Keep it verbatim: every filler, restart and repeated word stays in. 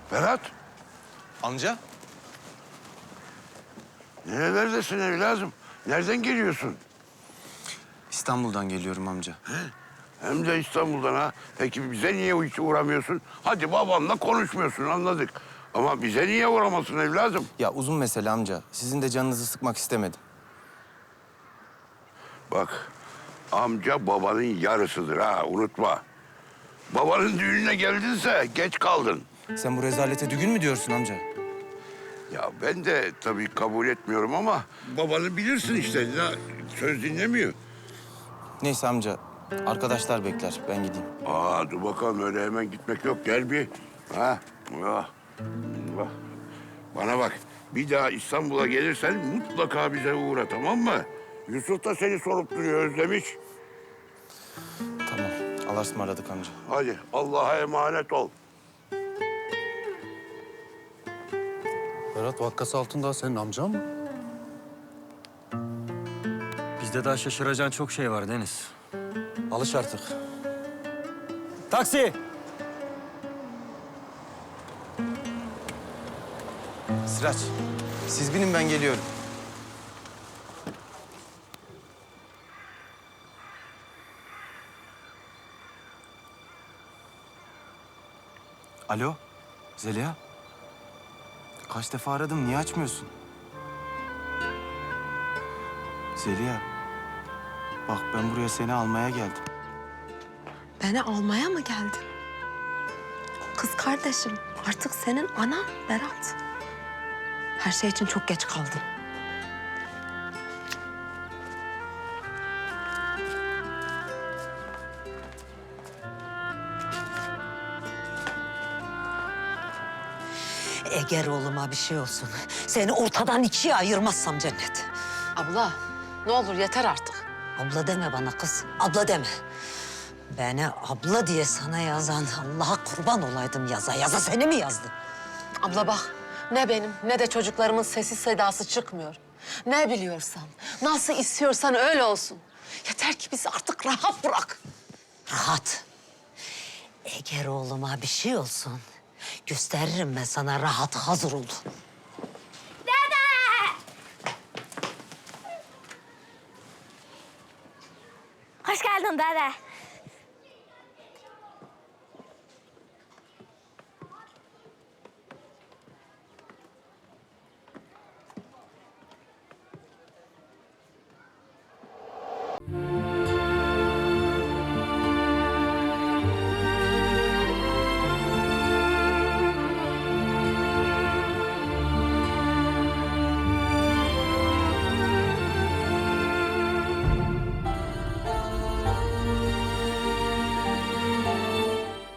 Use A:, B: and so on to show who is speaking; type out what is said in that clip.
A: Berat,
B: Amca?
A: nerelerdesin evladım? Nereden geliyorsun?
B: İstanbul'dan geliyorum amca.
A: Hem de İstanbul'dan ha. Peki bize niye hiç uğramıyorsun? Hadi babanla konuşmuyorsun, anladık. Ama bize niye uğramasın evladım?
B: Ya uzun mesele amca. Sizin de canınızı sıkmak istemedim.
A: Bak, amca babanın yarısıdır ha, unutma. Babanın düğününe geldinse geç kaldın.
B: Sen bu rezalete düğün mü diyorsun amca?
A: Ya ben de tabii kabul etmiyorum ama babanı bilirsin işte. Ya, söz dinlemiyor.
B: Neyse amca. Arkadaşlar bekler. Ben gideyim.
A: Aa, dur bakalım, öyle hemen gitmek yok. Gel bir. Ha? Ah. Bak. Bana bak. Bir daha İstanbul'a gelirsen mutlaka bize uğra, tamam mı? Yusuf da seni sorup duruyor, özlemiş.
B: Tamam. Allah'a ısmarladık amca.
A: Hadi Allah'a emanet ol.
C: Berat Vakkas Altındağ senin amcan mı?
D: Bizde daha şaşıracağın çok şey var Deniz.
B: Alış artık.
D: Taksi!
B: Sıraç. Siz binin, ben geliyorum. Alo. Zeliha. Kaç defa aradım. Niye açmıyorsun? Zeliha. Bak, ben buraya seni almaya geldim.
E: Beni almaya mı geldin? Kız kardeşim artık senin anan Berat. Her şey için çok geç kaldın.
F: Eğer oğluma bir şey olsun, seni ortadan ikiye ayırmazsam Cennet.
E: Abla ne olur yeter artık.
F: Abla deme bana kız, abla deme. Beni abla diye sana yazan Allah'a kurban olaydım yaza. Yaza seni mi yazdı?
E: Abla bak ne benim ne de çocuklarımın sesi sedası çıkmıyor. Ne biliyorsan, nasıl istiyorsan öyle olsun. Yeter ki bizi artık rahat bırak.
F: Rahat. Eğer oğluma bir şey olsun, gösteririm ben sana rahat, hazır ol.
G: Hoş geldin dede.